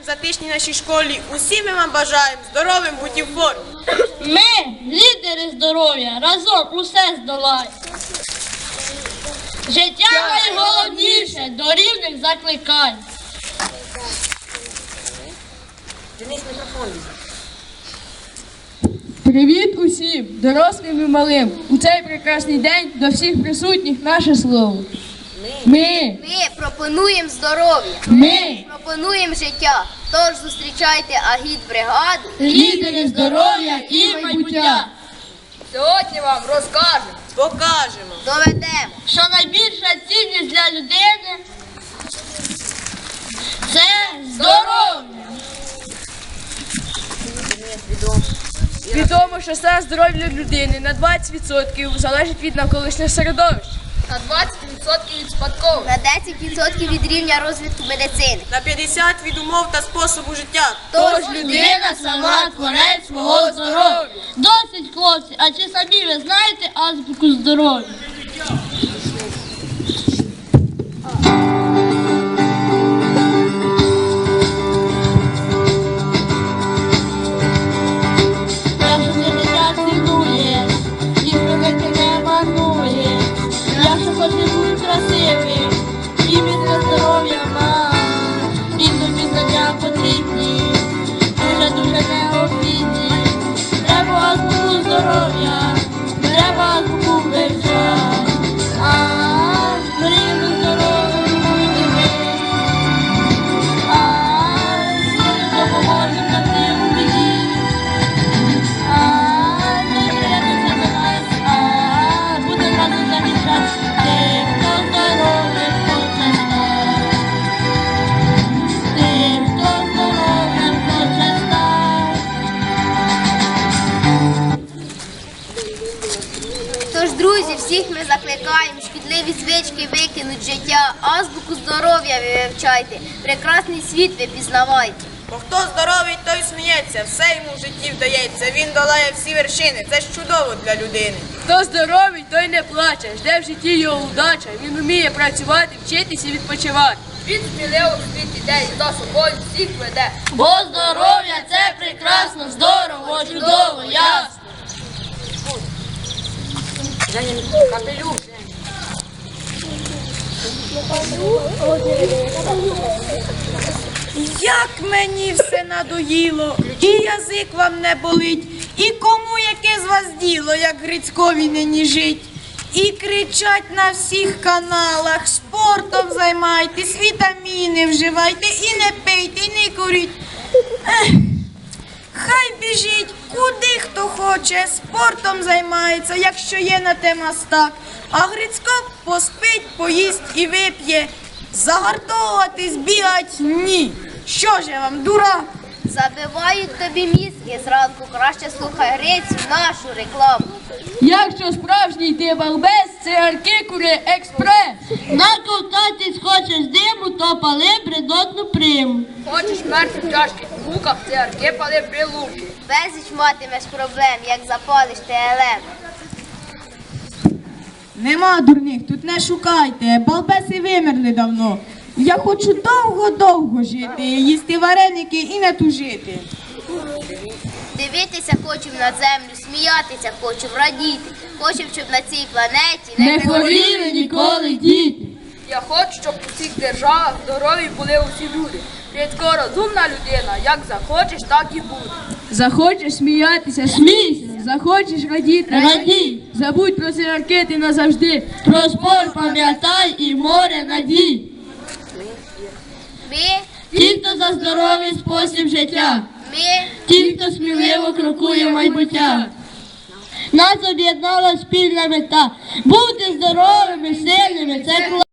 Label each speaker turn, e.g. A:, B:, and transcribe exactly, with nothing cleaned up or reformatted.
A: затишній нашій школі. Усі ми вам бажаємо здоровим бути в формі.
B: Ми, лідери здоров'я, разом усе здолаємо. Життя найголовніше, до рівних закликай.
C: Привіт усім, дорослим і малим. У цей прекрасний день до всіх присутніх наше слово. Ми,
D: Ми пропонуємо здоров'я,
C: ми,
D: пропонуємо життя. Тож зустрічайте агітбригаду.
C: лідери здоров'я і майбуття.
B: Сьогодні вам розкажемо,
A: Покажемо.
D: Доведемо.
B: що найбільша цінність для людини – це здоров'я.
C: Відомо, що стан здоров'я людини на двадцять відсотків залежить від навколишнього середовища.
B: На двадцять відсотків від спадкових.
D: На десять відсотків від рівня розвитку медицини.
A: На п'ятдесят від умов та способу життя.
B: Тож людина сама творець свого здоров'я. Досить, хлопці, а чи самі ви знаєте азбуку здоров'я? Якщо ти життя цінуєш, і привики не марнуєш, якщо хочеш бути красивим, і міцне здоров'я май, і тобі знання потрібні, дуже-дуже необхідні. Треба азбуку здоров'я, треба азбуку вивчати, а рівно здоров'я буде ми, а всім допоможемо на тим біді. А доєднуйся до нас, а буде разом замічати тих, хто здоров'ям хоче стати. Тих, хто здоров'ям хоче стати.
D: Тож, друзі, всіх ми закликаємо шкідливі звички викинуть з життя. Азбуку здоров'я ви вивчайте. Прекрасний світ ви пізнавайте.
A: Бо хто здоровий, той сміється, все йому в житті вдається. Він долає всі вершини, це ж чудово для людини.
C: Хто здоровий, той не плаче, жде в житті його удача. Він вміє працювати, вчитися і відпочивати.
B: Він сміливо в світ іде і за собою всіх веде. Бо здоров'я – це прекрасно, здорово, чудово, ясно.
A: Як мені все надоїло, і язик вам не болить, і кому яке з вас діло, як Грицькові нині жить. І кричать на всіх каналах, спортом займайтесь, вітаміни вживайте, і не пийте, і не куріть. Ех, хай біжить, куди хто хоче, спортом займається, якщо є на те мастак. А Грицько поспить, поїсть і вип'є. Загартовуватись, бігать – ні. Що ж я вам, дурак?
D: Забивають тобі мізки зранку. Краще слухай Грицю, нашу рекламу.
C: Якщо справжній ти балбес, цигарки кури експрес.
B: Наковтатись хочеш диму, то пали бредотну приму. Хочеш мерти в чашки в луках, цигарки пали при луки.
D: Безліч матимеш проблем, як запалиш ТЛМ.
A: Нема дурних, тут не шукайте, балбеси вимерли давно. Я хочу довго-довго жити, їсти вареники і не тужити.
D: Дивитися хочемо на землю, сміятися хочемо, радіти. Хочемо, щоб на цій планеті
C: Не хворіли ніколи діти.
B: Я хочу, щоб у цих державах здорові були усі люди. Рідко розумна людина, як захочеш, так і буде.
C: Захочеш сміятися, смійся. Захочеш радіти, радій. Забудь про цигарки ти назавжди. Про спорт пам'ятай і море надій.
D: Ми,
B: Ті, хто за здоровий спосіб життя,
D: ми,
B: ті, хто сміливо крокує в майбуття. Нас об'єднала спільна мета. Бути здоровими, сильними – це класно.